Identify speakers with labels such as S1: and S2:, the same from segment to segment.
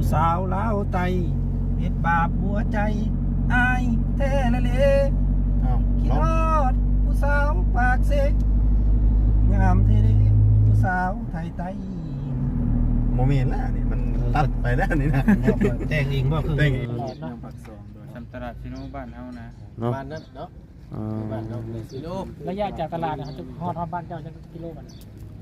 S1: ผู้สาวลาวไตเฮ็ดบาปหัวใจอายแท้ละเลคิดฮอดผู้สาวปากเสกงามเท่เด้ผู้สาวไทยไต
S2: โมเมนต์แล้วนี่มันตัดไปแล้วนี่นะ
S1: แต่งเองบ่คือ
S2: แต่งเอง
S3: ปักซองโดยทำตลาดซิโนบ้านเฮานะ
S1: บ้านนั้นเนาะบ้านเนาะซิโน
S4: ระยะจากตลาดนะครับจะฮอดบ้านเจ้าจะกิโลกัน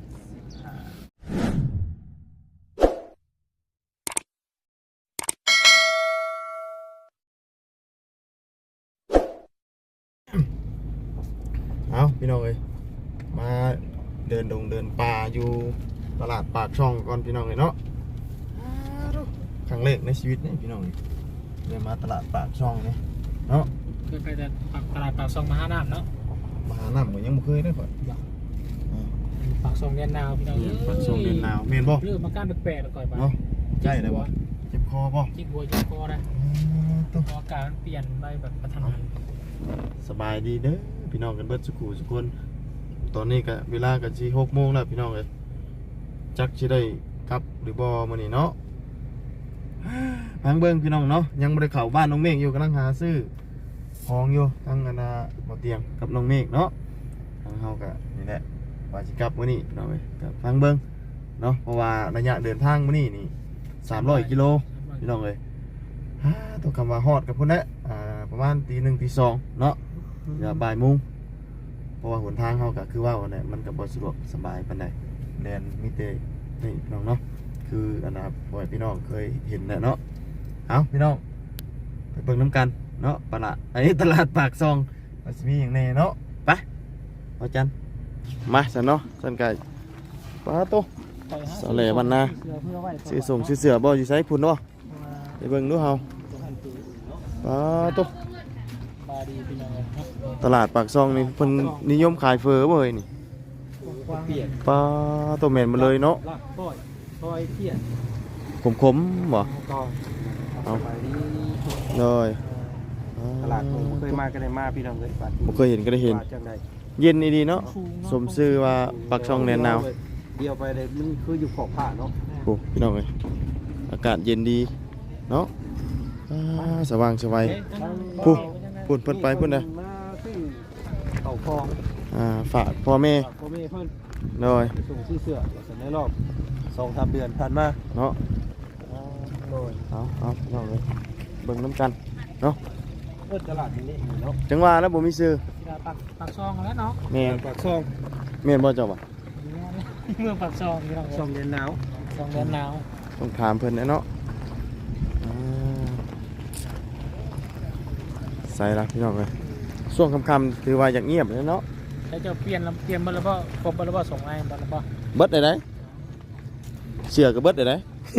S2: เอาพี่น้องเอ้ยมาเดินดงเดินป่าอยู่ตลาดปากช่องก่อนพี่น้องเอ้ยเนาะครั้งแรกในชีวิตนี่พี่น้องเดินมาตลาดปากช่องนี่เนาะ
S4: เคยไปแต่ตลาดปากซองมหาน้ำเนาะ
S2: มาหาน้ำก็ยังไม่เคยได้ก่อน
S4: ปากซองเรียนนาวพี่น้อง
S2: ปากช่องเดินหนาวเมนบ่
S4: เรื่องมาก้านแปลกๆก่อนมา
S2: เนาะใช่เลยบ่เจ็บคอบ่
S4: จิกบัวจิกคอนะ
S2: ตัว
S4: อากาศมันเปลี่ยนไปแบบกระทันหัน
S2: สบายดีเด้อพี่น้องกันเบิดสุขุสุคนตอนนี้ก็เวลาก็สิ6 โมงแล้วพี่น้องเอ้ยจักสิได้กลับหรือบ่มื้อนี้เนาะพังเบิ่งพี่น้องเนาะยังบ่ได้เข้าบ้านน้องเมฆอยู่กำลังหาซื้อของอยู่ทั้งอันน่ะบ่เตียงกับน้องเมฆเนาะทางเฮาก็นี่แหละว่าสิกลับมื้อนี้พี่น้องเอ้ยก็ฟังเบิ่งเนาะเพราะว่าระยะเดินทางมื้อนี้นี่300 กิโลพี่น้องเอ้ยต้องคำว่าฮอดกับพุ่นแหละประมาณตี 1 ตี 2เนาะอย่าบ่ายโมงเพราะว่าหนทางเฮาก็คือว่าเนี่ยมันก็บ่สะดวกสบายปานใดแดนมีแต่นี่พี่น้องเนาะคืออันนะครับบ่อยพี่น้องเคยเห็นแหละเนาะเอาพี่น้องไปเบิ่งน้ำกันเนาะปะละอันนี้ตลาดปากซองมันสิมีอย่างแน่เนาะไปเอาจันมาซั่นเนาะซั่นก็ปาโตสาแหล่บ้านนาซื้อส่งซื้อเสือบ่อยู่ไสพุ่นเนาะไปเบิ่งดูเฮาปาโตตลาดปากซองนี่เพิ่นนิยมขายเฟอบ่เอ้ยนี่
S1: เปลี่ยน
S2: ปลาตัวเหม็นมาเลยเนาะ
S1: ลากปล่อยเปลี่ยน
S2: ขมๆบ่
S1: ก็เอาไปนี่
S2: เลย
S1: ตลาดผมเคยมาก็ได้มาพี่น้องเลยบัด
S2: บ่เคยเห็นก็ได้เห็น
S1: จังได๋
S2: เย็นดีเนาะสมชื่อว่าปากช่องแดนหนาว
S1: เดียวไปเลยมันคืออยู่ขอบผ้าเนาะ
S2: โอ้พี่น้องเอ้ยอากาศเย็นดีเนาะสว่างสวัยพุ่นเพิ่นไปพุ่นนะ
S1: มาซื้อเต่าทอง
S2: ฝากพ่อแม่
S1: พ่อแม่เพิ่น
S2: เลย
S1: ส่งซื้อเสื้อในรอบ 2-3 เดือนผ่านมา
S2: เนาะ
S1: โดย
S2: เอาพี่น้องเอ้ยเบิ่งน้ำกันเนาะ
S1: เปิดตลาดนี้เนาะ
S2: จังว่าแล้วบ่มีซื้อ
S4: ปากซองแล้วเนาะ
S2: แม่น
S1: ปากช่อง
S2: แม่นบ่เจ้าบ่
S4: เมืองปากซองพี่น้อง
S1: ช่องเย็นหนาว
S4: ซองเรียนนาว
S2: ต้องถามเพิ่นแน่เนาะใส่ละพี่น้องเอ้ยช่วงค่ำๆถือว่าอยากเงียบเลยเนาะ
S4: แล้วจะเปลี่ยนมาแล้วก็ครบมาแล้วก็ส่งไอ้มาแล้วก็
S2: เบิดได้ไหนเสือกับเบิดได้ไหน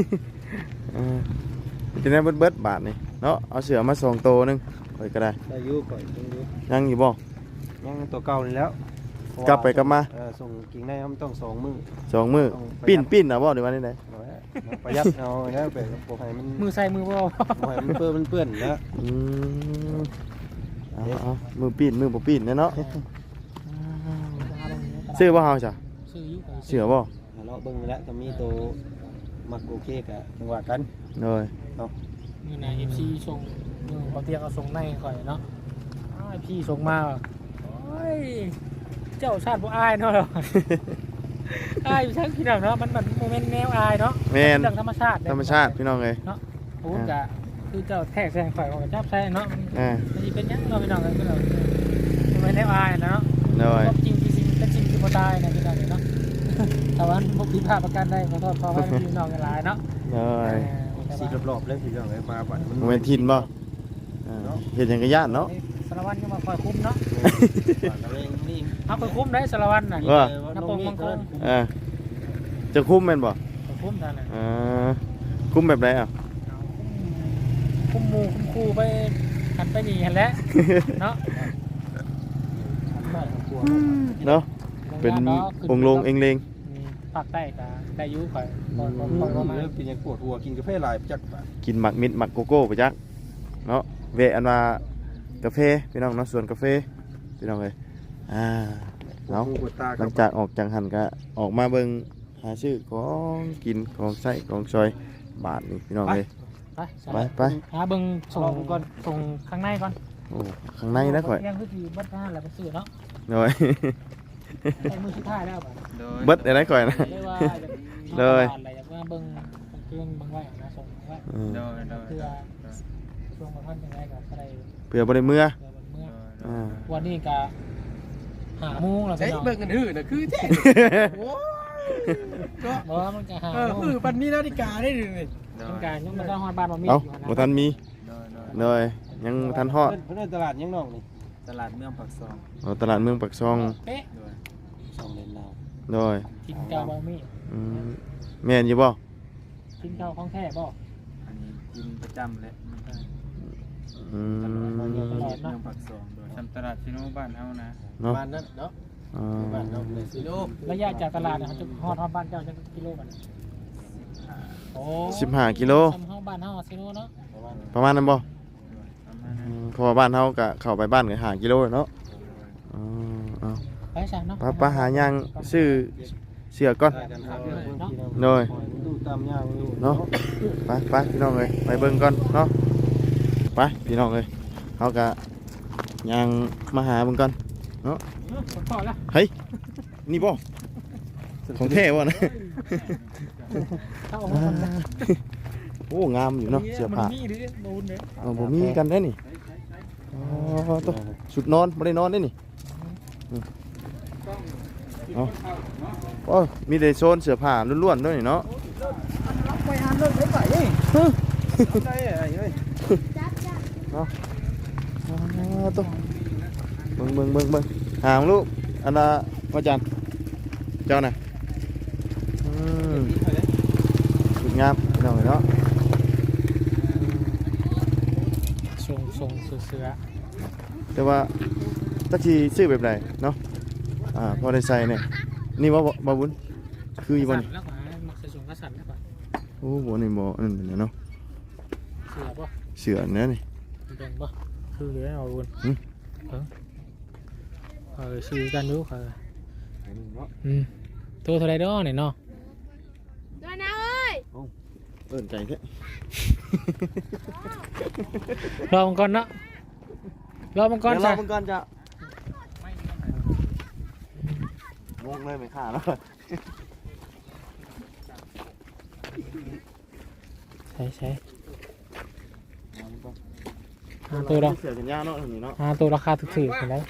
S2: จะได้เบิดบาทนี่เนาะเอาเสือมา2 ตัวนึงไปก็ได้
S1: ได้อยู่ก่อนยังอยู่
S2: ยังอยู่บ่
S1: ยังตัวเก่านี่แล้ว
S2: กลับไปกลับมา
S1: ส่งกิ่งได้มันต้อง2 มื้อ
S2: 2 มื้อปิ้นนะบ่หรือว่าได้ไหน
S1: ประหยัดเอาแล้วไปบ่ให้มัน
S4: มือใส่มือเปล่า
S1: บ่ให้มันเปื้อนนะ
S2: เอามือปิ้นมือบ่ปิ้นเนาะซื้อบ่เฮาจ้ะ
S4: ซื้อยุ
S2: เสือบ่
S1: เลาะเบิ่งแล้วก็มีตัวมักโอเคกะจังหวะกัน
S2: เลย
S4: นี่นะ FC ส่งบางทีเอาส่งในก่อนเนาะพี่ส่งมาโอ้ยเจ้าชาติบ่อายเนาะอายอยู่ทั้งพี่น้องเนาะมันโมเมนต์แนวอายเนาะ
S2: แม่น
S4: เรื่องธรรมชาติ
S2: ธรรมชาติพี่น้องเอ้ย
S4: เนาะโอ้กะคือเจ้าแทกแซงข่อยของจับแซงเนาะ
S2: อ่า
S4: มันจะเป็นยังเราพี่น้องกันพี่น้องโมเมนต์แนวอายเนาะ
S2: เลย
S4: จริงจริงเป็นจริงที่บ่ตายนะพี่น้องเนาะแต่ว่าพวกพี่พาประกันได้ขอโทษขอให้พี่น้องกันหลายเนาะ
S2: เลย
S1: สีรอบๆเลยพี่น้องมาบัด
S2: โมเมนทินบ่เห็นอย่างกระยานเนาะ
S4: สารวัตรก็มาคอยคุ้มเนาะ
S1: นี่
S4: เอาคอยคุ้มได้สารวัตรน่ะ
S2: ว่า
S4: น้ำปงมังกร
S2: จะคุ้มแม่นบ่
S4: คอยคุ้มท่านน่ะ
S2: คุ้มแบบไหนอ่ะ
S4: คุ้มหมู่คุ้มครูไปหันไปนี่หันแล้วเนาะ
S2: เนาะเป็นองค์ลงเองเลง
S4: ภาคใต้ก็ได้อยู่ข่อย
S1: เป็นยังปวดหัวกินกาแฟหลายจัก
S2: กินหมักมิดหมักโกโก้ไปจักเนาะเวะอันว่ากาแฟพี่น้องเนาะส่วนกาแฟพี่น้องเลยเนาะหลังจากออกจากหันก็ออกมาเบิ่งหาชื่อของกินของใส่ของซอยบาทนี่พี่น้องเลย
S4: ไป
S2: ไป
S4: หาเบิ่งส่งข้างในก่อน
S2: โอ้ข้างในนะข่อย
S4: ยังคือสิเบิดหน้าแล้วไปซื้อเนาะ
S2: โดย
S4: ใช้มือสุดท้ายแล้วบัด
S3: โดย
S2: เบิดได้ข่อยนะ
S4: เลยว่า
S2: เลย
S4: อะไรอยากว่าเบิ่งเครื่องเบิ่งไว้นะส่งไว้
S2: อืม
S3: โดยโดย
S4: เพื่อช่วงบ่ทันจังไดก็ได้
S2: เพื่อบ่ได้เมื่อ
S4: เพื่อเมื่อ
S2: อ่า
S4: วันนี้ก็หาโมงแล้ว
S1: ใช้
S4: พี่น้อง
S1: เบิ่งกันหื้อน่ะคือแท้โอ้ยก็
S4: บ่มันก็หา
S1: เออ
S4: โมง
S1: ปันนี้นาฬิกาได้ดินี่
S3: โด
S4: มัน
S3: ย
S4: ก็ยังบ่ได้ฮอดบ้านบ่มี
S2: เอ้า
S4: อยู่นะ
S2: บ่ทันมี
S3: โดย
S2: โดยยังบ่ทันฮอด
S1: เพิ่นเดินตลาดยังน้องนี่
S3: ตลาดเมืองปากซอง
S2: เอาตลาดเมืองปากซอง
S4: เป๊ะ
S3: โดย
S1: สองเลนเรา
S2: โดย
S4: กินเก่าบ่มี
S2: อืมแม่นอยู่บ่
S4: กินเก่าของแท้บ่
S3: อันนี้กินประจำและมันก็
S2: อื
S3: ตลาด
S2: ม
S3: เมืองปากซองโดยทำตลาดชิโนบ้านเฮานะ
S2: เนาะ
S1: บ้านนั้นเนาะ
S2: อ่า
S1: บ้านเนาะเลยสิโล
S4: ระยะจากตลาดนะครับจะฮอดบ้านเจ้าจักกิโลกันโอ้
S2: 15กิโล
S4: ทำเฮาบ้านเฮาซิโนเนาะ
S2: ประมาณนั้นบ่
S3: ประมาณ
S2: อื
S3: นั้น
S2: มเพราะว่าบ้านเฮาก็เข้าไปบ้านก็5กิโลเนาะอ๋อเอา
S4: ไปซะเนาะ
S2: ป้าหาย่างซื้อเสือก่อน โดย
S1: ดูตามย่างอยู่
S2: เนาะไปพี่น้องเลยไปเบิ่งก่อนเนาะไปพี่น้องเลยเขาก็ย่างมาหาเบิ่งก่อน
S4: พอแล้ว
S2: เฮ้ยนี่บ่ของแท้บ่นะ
S4: เข้าออกมาก่อนนะ
S2: โอ้งามอยู่เนาะเสื้อผ้า
S4: มันมีหรือโดนเด้
S2: เอาบ่มีกันได้นี่อ๋อตัวชุดนอนบ่ได้นอนได้นี่เอาโอ้มีแต่โซนเสื้อผ้าล้วนๆด้วยนี่เนาะ
S1: ไปหาเรื่องไปนี่ได้ไอ้เอ้ย
S2: อ๋อตัวเบิ่งหางลูกอันน่ะว่าจันเจ้าน่ะสุดงามพี่น้องเอ้ยเนาะ
S4: ส่งเสือ
S2: แต่ว่าตะกี้ซื้อแบบไหนเนาะพอได้ใส่เนี่ยนี่ว่าบ่บุญคืออีบ่นี่
S4: แล้วก็มักใส่ส่งกระสันแล้วก็
S2: โอ้บ่นี่บ่นั่นเป็นเนาะ
S4: เสือป่ะ
S2: เสือเนี่ยนี่
S4: แบ่งป่ะคือเหลือเอาวน
S2: หึ
S4: ซื้อกันดูค่ะตัวเท่าไรด้อเนี่ยเนาะ
S5: ด้วยนะเอ้ย
S2: เอิ้นใจแท้
S4: รอมังกรเนาะรอมังกร
S2: เดี๋ยวร
S4: จ้ะ
S2: อมันก่อนจ้ะงงเลยไม่ขาดแล้ว
S4: ใช่หาตัวเรา
S2: เสือกันยาวเนาะอันนี้เนาะ
S4: หาตัวราคาถูกๆเห็นไหม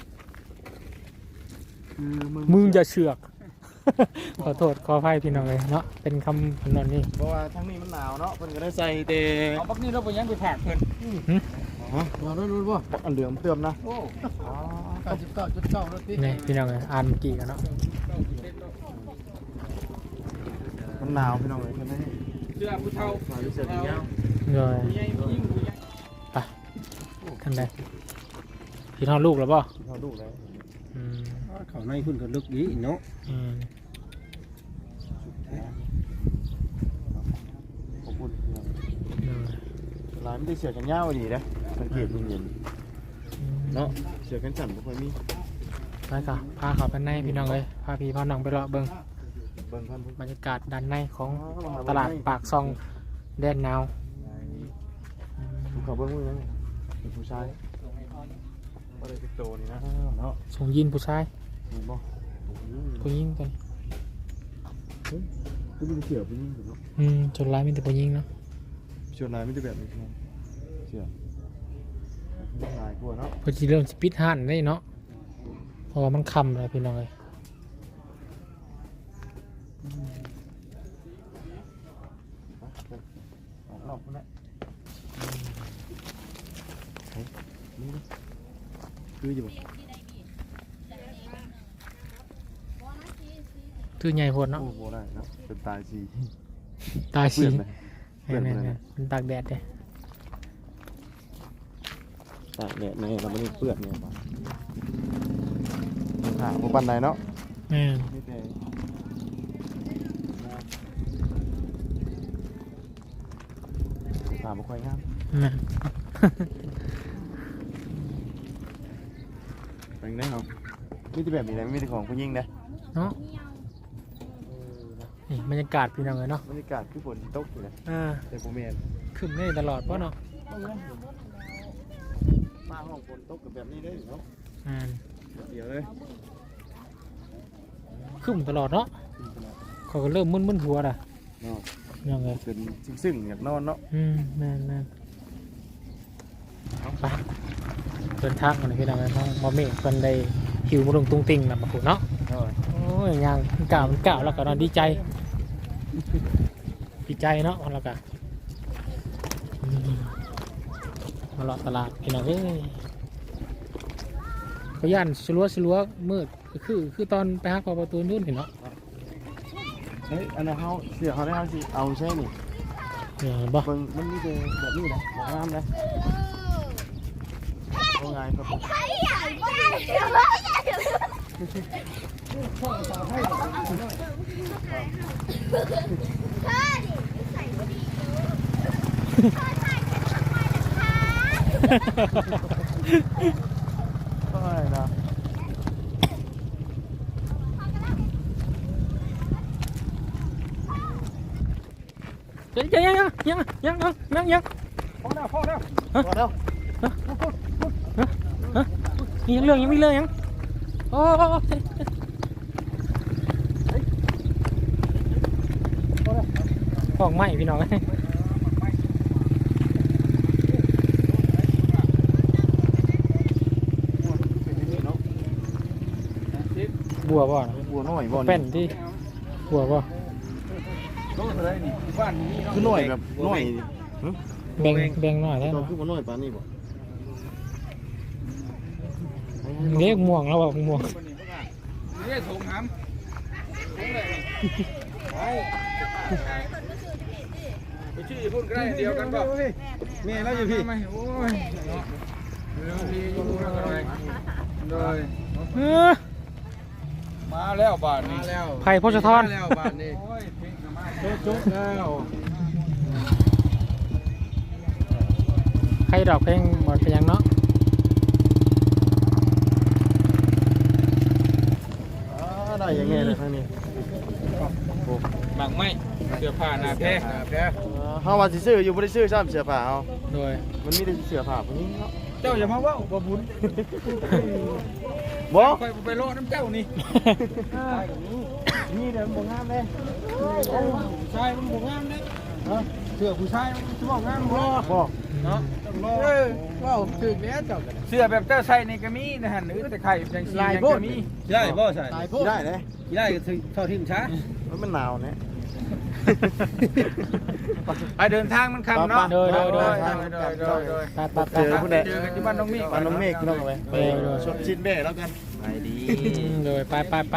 S2: คือ
S4: มึงจะเชือก ขอโทษขออภัยพี่น้องเลยเนาะเป็นคำพนนนี่
S2: เพราะว่าทั้งนี้มันหนาวเนาะเพิ่นก็ได้ใส่แต่
S4: เอาบักนี่เราไปยังไปแผดเพิ่น
S1: เราได้รู้ป่ะ
S2: อันเหลืองเติมนะ
S1: โอ้99.9แล้วพี่
S4: นี่พี่น้องเลยอ่านเมื่อกี้กันเนาะ
S2: มันหนาวพี่น้องเอ้ยเพิ่นได้
S1: เสื้อผู้เฒ่า
S2: ใส่เสื้อกันยาว
S4: เลยไปท่านใดพี่น้องลูกหรือเปล่า
S2: เท่าลูกแล้ว
S1: เขาในคุณก็ลึกดีเนาะ
S2: ขอบคุณร้านไม่ได้เสือกันยาวดีนะสังเกตเย็นๆเนาะเสือกันสั่นบ่ค่อยมี
S4: ไปก่ะพาเขาไปในพี่น้องเลยพาพี่พาน้องไปเลาะเบิ่ง
S2: เบิ่งพันธุ์
S4: บรรยากาศด้านในของตลาดปากซองแดนนาว
S2: เขาเบิ่งมือนั่นเป็นผู้ชายบ่ได้ติดโตนี่นะเนาะ
S4: ส่งยินผู้ชาย
S2: เห็นบ่
S4: ผู้หญิงกัน
S2: ก็มีเสือผู้หญิงเนาะ
S4: จนร้ายมีแต่ผู้หญิงเนาะ
S2: ชวนนายไม่ได้แบบนี้ครับเสือลายกลัวเนาะ
S4: เพอจีเริ่มสปิดห้านได้เนาะเพราะว่ามันคำเลยพี่น้องเลย
S2: รอบคนละนี่คืออยู่
S4: ตื้อใหญ่โพดเนาะ
S2: โอ้โหได้เนาะเป็นตายสี
S4: ตา
S2: เปื่
S4: สี
S2: อนเลย
S4: เนี่ยมันตากแดดเลย
S2: ตากแดดในเราไม่ได้เปื่อนเนี่ยป่ะหาพวกปันใดเนาะ
S4: แม่น
S2: ไม่แต่หาบุคคลงาม
S4: แม่น
S2: เป็นได้เหรอมีแต่แบบนี้นะมีแต่ของผู้หญิงนะ
S4: เนาะนี่บบรรยากาศพี่น้องเลยเนาะ
S2: บรรยากาศคือฝนตกอยู่นะ แต่บ่แม่น
S4: ขึ้นได้ตลอดเพราะเนาะ
S2: มาห้องฝนตกกับแบบนี้ได้เนาะ เดี๋ยวเลย
S4: ขึ้นตลอดเนาะเขาก็เริ่มมึนหัวละ
S2: เนาะ
S4: ยังไง
S2: เป็นซึ่งอยากนอนเนาะ
S4: แม่นไปเดินทางกันเลยพี่น้องเลยเนาะมาเมฆกันได้หิวมาลงตุ้งติงนะมาขุเนาะโอ้ยยังมันกล่าวแล้วก็นอนดีใจเนาะแล้วก็มาเลาะตลาดพี่น้องเอ้ยเขาย่านสลัวมืดคือตอนไปหาประตูนู่นเห็นเนาะ
S2: เฮ้ยอันนั้นเขาเสือเขาได้เขาสิเอาใช่นี่
S4: บ่
S2: เบิ่งมันมีแต่แบบนี้นะแบบงามนะเอาไงครับผม ไม่นะ
S4: ยังพอแล้ว
S2: พอแล้ว
S4: ยังมีเรื่องยังโอ้ของใหม่พี่น้องบัวบ่
S2: บัวน้อยบ่
S4: เป็นที่บัวบ่
S2: คือน้อยแบบน้อย
S4: แบ่งหน่อยได้
S2: ตัวคือบ่น้อยปานนี้บ่
S4: เรียกม่วงแล้วบอกม่วง
S3: เรียกถุงหำไปชื่อพูดก็ได้เดียวกันป่ะ
S1: แม่แล้วอยู่พี่
S3: โอ้ยเร็วดีอยู่เลยมาแล้วบาทนี้มาแล้ว
S4: ไผ่พชทร
S3: แล้วบาทนี้โอ้ยเพลงมาจุ๊บแล้ว
S4: ใครดอกเพลงบอดเป็นยังเนาะ
S2: ได้ยังไงเลยทางนี้
S3: หมักไหมเสื้อผ้าหน้าแพ้
S2: เฮาว่าสิซื้ออยู่บ่ได้ซื้อซ้ำเสื้อผ้าเฮา
S4: โดย
S2: มันมีแต่เสื้อผ้าพวกนี้เนาะ
S3: เจ้าอย่ามาว่าบ่บุญ
S2: บ่
S3: ไปโลน้ำเจ้านี่
S2: นี่เด้อบ่งามเด้
S3: ผู้ชายมันบ่งามเด้เสื้อผู้ชายมันสิบ่งามบ่
S2: บ่
S3: เนาะว้าวถึกแล้วเจ้าเสื้อแบบเจ้าใส่นี่ก็มีนะฮะหรือแต่ไข่จังซี่ก็มี
S1: ได้บ่ใช่
S2: ได้เด้
S1: ได้ก็เท่าที่มันช้า
S2: มันหนาวแน่
S3: ไปเดินทางมันคำเนาะ
S4: โดย ไป
S2: เจอผู้ใด
S3: เจอกันที่บ้านน้องเมฆ
S2: บ้านน้องเมฆพี่น้องเอาไว้ไปชดชินแม่แล้วกันไปดี
S4: โดยไปไป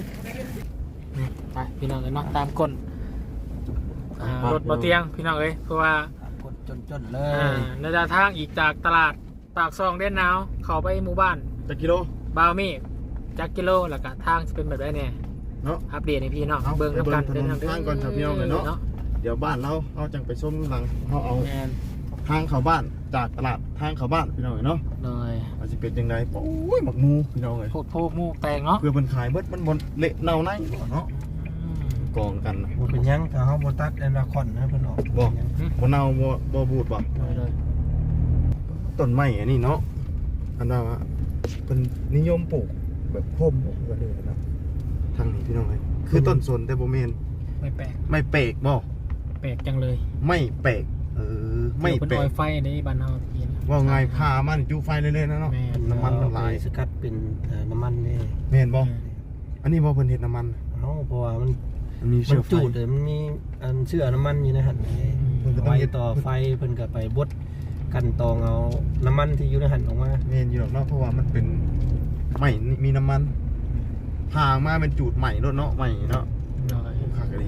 S4: พี่น้องเลยเนาะตามกฎรถบ่เตียงพี่น้องเอ้ยเพราะว่าก
S1: ดจนเลย
S4: ในทางอีกจากตลาดปากซองเด่นหนาวเข้าไปหมู่บ้าน
S2: จักกิโล
S4: บาวเมฆจักกิโลแล้วก็ทางจะเป็นแบบไรเนี่ย
S2: เนาะ
S4: อัปเดตให้พี่น้อง
S2: เอา
S4: เบิ่ง
S2: ไป
S4: น้ำกัน
S2: เบิ่งถนนทางก่อนครับพี่น้องเลยเนาะ เดี๋ยวบ้านเราเอาจังไปส้มหลังเขาเอา
S4: แมน
S2: ทางเข้าบ้านจากตลาดทางเข้าบ้านพี่น้องเนาะ
S4: โดย
S2: อาจจะเป็นยังไงโอ้ยหมักหมูพี่น้องเลย
S4: โพดโพกมูกแตงเนาะ
S2: เพื่อมันขายเบิดมันบนเละเน่าในเนาะกองกันนะ
S1: บ่เป็นหยังถ้าเฮาบ่ตัดแอนนาคอนนะเพิ่นออก
S2: บ่เน่าบ่บูดบ่
S4: โดย
S2: ต้นไม้อันนี้เนาะอันว่าเป็นนิยมปลูกแบบโคมแบบนี้นะทางนี้พี่น้องเลยคือต้นสนแต่บ่แม่น
S4: ไม่แปลก
S2: ไม่เปกบ่
S4: แปลกจังเลย
S2: ไม่เปกไม่
S4: เป็น
S2: เป
S4: ออก ยไฟในบ้านเราพี่นะ
S2: ว่าไงพามันจูไฟเรื่อยๆนะเนาะ
S4: แม่น
S2: น้ำมันมันหลาย
S1: สกัดเป็นน้ำมันนี่
S2: แม่นบ่อันนี้บ่เพิ่นเฮ็ดน้ำมัน
S1: เฮาเพราะว่ามัน
S2: มันมี
S1: มั
S2: เชื้
S1: น
S2: อไฟ
S1: จูดเลยมันมีอันเชื่อน้ำมันอยู่ในหัน
S2: เพิ่นก็ต้อ
S1: ไว้
S2: งเฮ็ด
S1: ต่อไฟเพิ่นก็ไปบดกันตองเอาน้ำมันที่อยู่ในหันออกมา
S2: แม่นอยู่หรอกเนาะเพราะว่ามันเป็นไหม้มีน้ำมันพามาเป็นจูดใหม่รถเนาะใหม่เนาะ
S4: โดย
S2: คักดี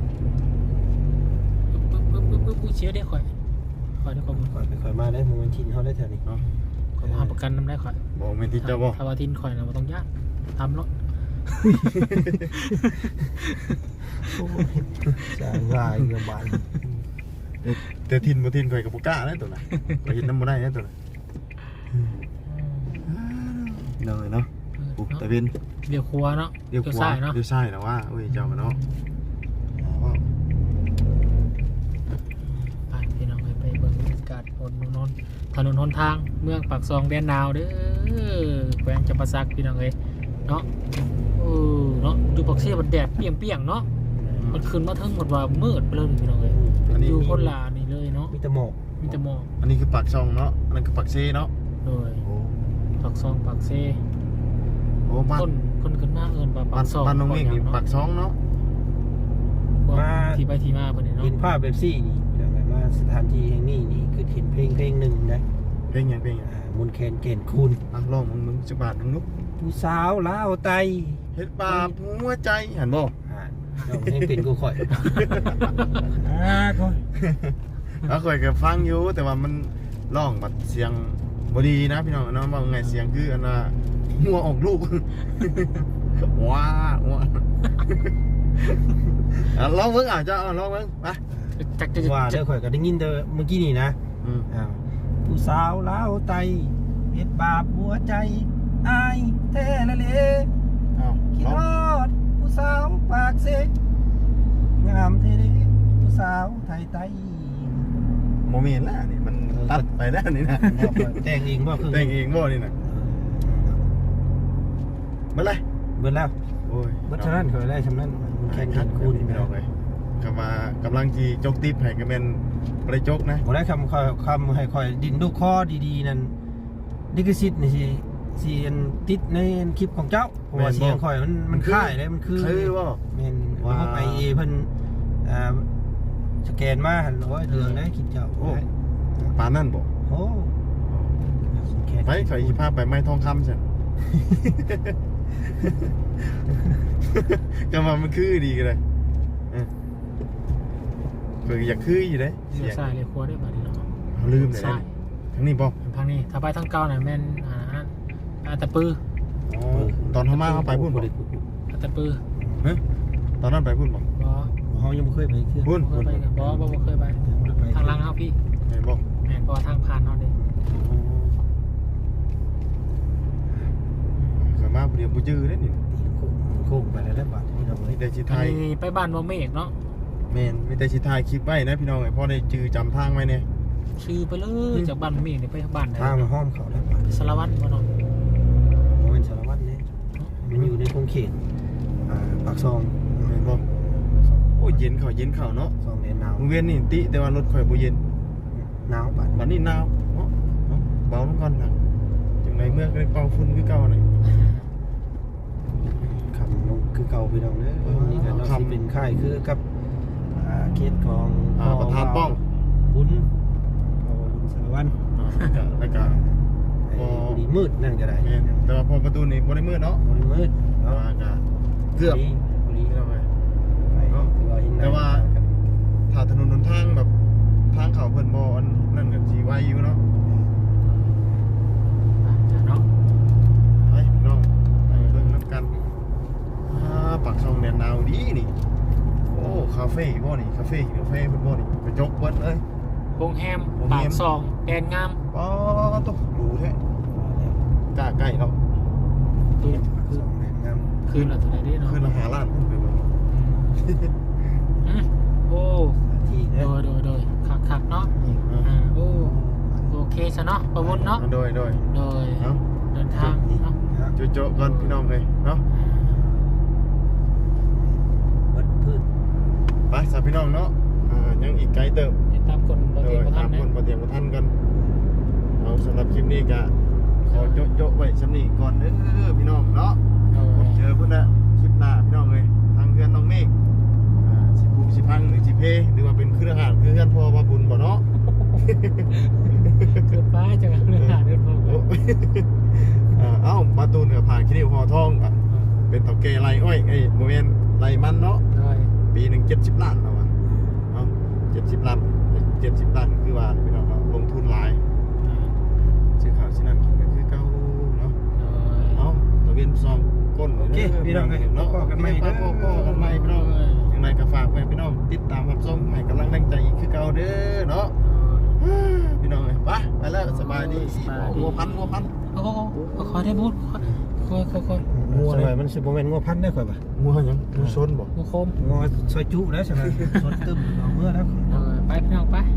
S4: ปึ๊บเชียร์ได้ข่อยได้ข้อมูล
S1: ก่อนไปค่อยมาได้โมเมนทินเฮาได้แถวนี้
S2: เนาะ
S4: ข่อยมาหาประกันนำได้ข่อย
S2: บอกแม่นที่เจ้าบ่
S4: ถ้าว่าทินข่อยนะบ่ต้องยากทำรถ
S1: จางรายเงือบาน
S2: แต่ทินบ่ทินข่อยก็บ่กล้านะตัวน่ะไปเฮ็ดน้ำบ่ได้นะตัวน่ะเลยเนาะปลูกตะเวน
S4: เดี๋ยวครัวเนาะ
S2: เดี๋ยวขวา
S4: ซ้ายเนาะ
S2: เดี๋ยวซ้ายนะว่าเอ้ยเจ้าก็เนาะ
S1: ว
S4: นถนนหนทางเมืองปากซองแดนนาวเด้อแขวงจำปาสักพี่น้องเอ้ยเนาะเนาะอยู่ปากเสียมันแดดเปรี้ยงๆเนาะมันขึ้นมาทั้งหมดว่ามืดไปเลยพี่น้องเอ้ย
S2: อันนี้
S4: อยู่คนละนี่เลยเนาะ
S1: มีแต่หมอก
S4: มีแต่หมอก
S2: อันนี้คือปากช่องเนาะอันนั้นคือปากเซเนาะ
S4: โดยปากซองปากเซ
S2: โอ้บ้าน
S4: คนขึ้นมาเอิ้นว่าปากซอง
S2: บ้านน้องเมฆนี่ปากช่องเนาะ
S4: ที่ไปที่มาเพิ่นนี่เนาะ
S1: เห็นภาพแบบซี่นี่เดี๋ยวมาสถานที่แห่งนี้นี่คือเห็นเพลงหนึ่งนะ
S2: เพลงหยัง
S1: มนต์แคนเกณฑ์คุณ
S2: อ่ะลองมึงจักบาทมึงนุ๊ก
S1: ผู้สาวลาวไต
S2: เฮ็ดบาปหัวใจหันบ่
S1: เราให้เป็นกูข่อยก่อน
S2: แล้วข่อยก็ฟังอยู่แต่ว่ามันร้องบัดเสียงบ่ดีนะพี่น้องเนาะว่าไงเสียงคืออันน่ะหัวออกลูก ว้าว้าลองเบิ่งเจ้าลองเบิ่งไป
S4: จักจะ
S1: ว่าเด้อข่อยก็ได้ยินแต่เมื่อกี้นี่นะ
S2: อืม
S1: ผู้สาวลาวไตเฮ็ดบาปหัวใจอายแท้ละเล
S2: อ้าว
S1: คิด
S2: ลอง
S1: ฮอดผู้สาวปากเสกงามเท่เด้ผู้สาวไทยไต
S2: โมเมนต์แล้วนี่มันตัดไปแล้วนี่นะ
S1: แต่งเองบ่คือ
S2: แต่งเองบ่นี่นะเมื่อไร
S1: เบิดแล้ว
S2: โอ้ย
S1: เบิดเท่านั้นข่อยได้ชำนั้นมัน
S2: แข่
S1: แข่
S2: ง
S1: ง
S2: ขั
S1: ขั
S2: น
S1: น
S2: คู
S1: คู
S2: ณ
S1: ณ
S2: พี่น้องเลยกำลังจีจกติ๊บให้ก็เป็นบ่ได้จกนะ
S1: บ่ได้คำให้ข่อยดินลูกคอดีๆนั่นดิกซิตนี่สิติดในคลิปของเจ้าเพราะว่าเสียงข่อยมันค่ายเลยมันคือ
S2: ว่า
S1: แม่น
S2: ว่า
S1: ว่าไปเพิ่นสแกนมาหั่นโอ้ยเรื่องได้คิดเจ้า
S2: โอ้ปานนั่นบอก
S1: โอ้แค่
S2: ไปขอยสิพาไปไม้ทองคำใช่ ก็มามันคือดีกันเลยคืออยากคืออยู่เลย
S4: เลี้ยวซ้ายเลี้ยวขวาได้บ่ดีเนาะ
S2: ลืมเลย
S4: ซ้าย
S2: ทั้งนี้บอก
S4: ทางนี้ถ้าไปทางเก่าน่ะแม่นตะปือ
S2: ตอนเขามาเขาไปพูดบอก
S4: ตะปือ
S2: ตอนนั้นไปพูดบอก
S4: บ่
S1: เฮายังบ่เคยไปเที่ยว
S2: พูด
S4: เคยไปกันบ่เคยไปทางหลังเฮาพี่
S2: เห็นบอก
S4: แม่นบ่ทางผ่านเฮาเด้
S2: เกิดมาเดี๋ยวบูจื้อได้นี่
S1: โค้งไปแล้วบาทนี่เรา
S2: มีแต่ชิไท
S4: อัน
S2: ย
S4: นี้ไปบ้านบ่เมฆเนาะ
S2: แมนมีแต่ชิไทยคลิปไว้นะพี่น้องไอ้พ่อได้จื้อจำทางไว้เนี่ย
S4: ชื่อไปเลยจากบ้านเมฆนี่ไปบ้านไหน
S1: ทางมาห้อมเขาแล้วบาท
S4: สารวัตรบ่เนาะ
S1: มันเป็นสารวัตรเนี่ยมันอยู่ในคงเขตปากซอง
S2: เห็นบอกโอ้ยเย็นเขาเนาะ
S1: ซองแดนหนาว
S2: โรงเรียนนี่ติแต่ว่ารถข่อยบ่เย็น
S1: หนาวบาท
S2: บัดนี้หนาวเนาะเบาลงก่อนนะจังไดเมื่อก็ได้เป่าฝุ่นคือเก่าน่ะ
S1: คำลงคือเก่าพี่น้องเด้อนี่ก็เราสิเป็นค่ายคือกับเขตของ
S2: ประธานป้อง
S1: บุญสารวัตร
S2: แล้วก็
S1: ดีมืดนั่นก็ได้
S2: แม่นแต่ว่าพอประตูนี่บ่ได้มืดเนาะ
S1: บริมืด
S2: แต่ว่าก็เกือบ
S1: บุรี
S2: เกือบไป
S1: ไปแต่ว่า
S2: ถ้าถนนหนทางแบบทางเขาเพิ่นบ่อันนั่นก็สิไวอยู่เนาะ
S4: เนาะ
S2: ไปพี่น้องไปเบิ่งนํกันปากช่องแดนดาวดีนี่โอ้คาเฟ่บ่นี่คาเฟ่เพิ่นบ่นี่ไปจกเบิดเลย
S4: โรงแรมปากซองแดนงาม
S2: ป๊อตกดูแท้กล้าใกล้เนาะ
S4: คือ
S1: สองแห่งงาม
S4: คืนละเท่าไหร่เด้เนาะ
S2: ขึ้นละ5ล้านขึ้นไปเบิ่ง
S4: โอ้
S1: ที่
S4: โด
S1: เนี่ย
S4: ยคักเนาะโอ้โอเคซะเนาะประวุฒิเนาะ
S2: โดย
S4: โดย
S2: เอ้า
S4: เดินทางเนาะ
S2: โจ๊ะก่อนพี่น้องเลยเนาะ
S1: วัดพืช
S2: ไปสาพี่น้องเนาะยังอีกไกลเติบ
S4: ติดตามคนบ่
S2: โด
S4: เทีย
S2: ย
S4: บ่ทั
S2: ตาน ม
S4: นะ
S2: คนมาเตรียมมาท่านกันเอาสำหรับคลิปนี้ก็ขอโจ๊ะไว้สำนีก่อนเด้อพี่น้องเนาะเจอพุ่นละคลิปหน้าพี่น้องเลยทางเพื่อนน้องเมฆสิปูสิพังหรือสิเพหรือว่าเป็นเครือข่ายคือเพื่อนพ่อว่าบุญบ่เนาะ
S4: เกิดฟ้าจังเรื่องหาเดินพอ
S2: เอ้ามาตูนกับผ่านคิริวหอทองเป็นเต่าแก่ไรอ้อยไอ้โมเมนไรมันเนาะ
S4: โดย
S2: ปีหนึ่ง70 ล้านแล้ววะเนาะ70 ล้าน70 ล้านคือว่าพี่น้องเนาะลงทุนหลายซื้อข้าวชิ้นนั้นกินก็คือเก่าเนาะ
S4: โดย
S2: เอาตะเวนซองก้น
S1: โอเคพี่น้องเลย
S2: เนาะ
S1: พ่อกันใหม่
S2: พ่อกันใหม่พี่น้องยังไงก็ฝากไว้พี่น้องติดตามรับชมให้กำลังแรงใจอีกคือเก่าเด้อเนาะพี่น้องเอ้ยไปแล้วสบายดีงัวพัน
S4: โอ้ขอได้บุญคอย
S1: งัวอะไรมันสิบโมเมนต์งัวพันได้ข่อยป่ะ
S2: งัวหยังงัวชนบ่
S4: งูโคม
S1: งัวซอยจุแล้วใช่ไหมสดตึมเอาเมื่อแล้ว
S4: ไปพี่น้องไป